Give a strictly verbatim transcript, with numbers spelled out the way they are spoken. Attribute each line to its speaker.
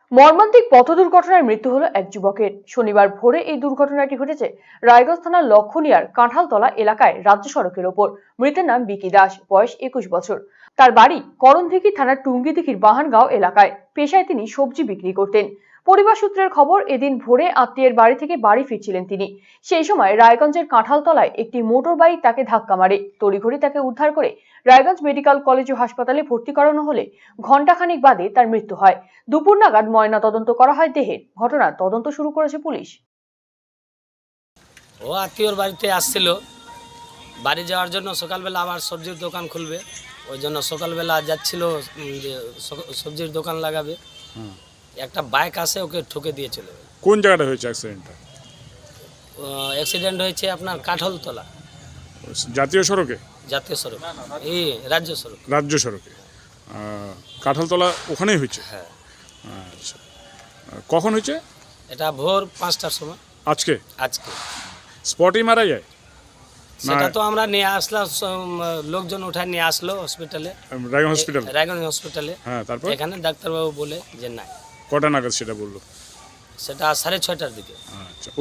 Speaker 1: মর্মান্তিক পথ দুর্ঘটনায় মৃত্যু হলো এক যুবকের। শনিবার ভোরে এই দুর্ঘটনাটি ঘটেছে রায়গঞ্জ থানার লক্ষণিয়ার কাঁঠালতলা এলাকায় রাজ্য সড়কের ওপর। মৃতের নাম বিকি দাস, বয়স একুশ বছর। তার বাড়ি করণদিঘি থানার টুঙ্গিদিঘির বাহানগাঁও এলাকায়। পেশায় তিনি সবজি বিক্রি করতেন। পরিবার সূত্রের খবর, এদিন ভোরে আত্মীয়ের বাড়ি থেকে বাড়ি ফিরছিলেন তিনি। সেই সময় রায়গঞ্জের কাঁঠালতলায় একটি মোটর বাইক তাকে ধাক্কা মারে। তড়িঘড়ি তাকে উদ্ধার করে রায়গঞ্জ মেডিকেল কলেজ ও হাসপাতালে ভর্তি করানো হলে ঘণ্টাখানিক বাদে তার মৃত্যু হয়। দুপুর নাগাদ ময়না তদন্ত করা হয় দেহের। ঘটনার তদন্ত শুরু করেছে পুলিশ।
Speaker 2: ও আত্মীয়র বাড়িতে আসছিল, বাড়ি যাওয়ার জন্য সকালবেলা আবার সবজির দোকান খুলবে, ওই জন্য সকালবেলা যাচ্ছিল যে সবজির দোকান লাগাবে। একটা বাইক আসে ওকে ঠুকে দিয়ে চলে গেল।
Speaker 3: কোন জায়গাটা হয়েছে অ্যাক্সিডেন্টটা?
Speaker 2: অ্যাক্সিডেন্ট হয়েছে আপনার কাঁঠালতলা
Speaker 3: জাতীয় সড়কে?
Speaker 2: জাতীয় সড়ক, এই রাজ্য সড়ক।
Speaker 3: রাজ্য সড়কে কাঁঠালতলা ওখানেই হয়েছে?
Speaker 2: হ্যাঁ।
Speaker 3: আচ্ছা, কখন হয়েছে?
Speaker 2: এটা ভোর পাঁচটার সময়।
Speaker 3: আজকে?
Speaker 2: আজকে
Speaker 3: স্পটেই মারা যায়?
Speaker 2: সেটা তো আমরা নিয়ে আসলাম, লোকজন উঠায় নিয়ে আসলো হসপিটালে,
Speaker 3: রায়গঞ্জ হসপিটাল।
Speaker 2: রায়গঞ্জ হসপিটালে।
Speaker 3: হ্যাঁ, তারপর
Speaker 2: এখানে ডাক্তারবাবু বলে যে নাই।
Speaker 3: কটা নাগাদ সেটা বললো?
Speaker 2: সেটা সাড়ে ছয়টার দিকে।
Speaker 3: আচ্ছা।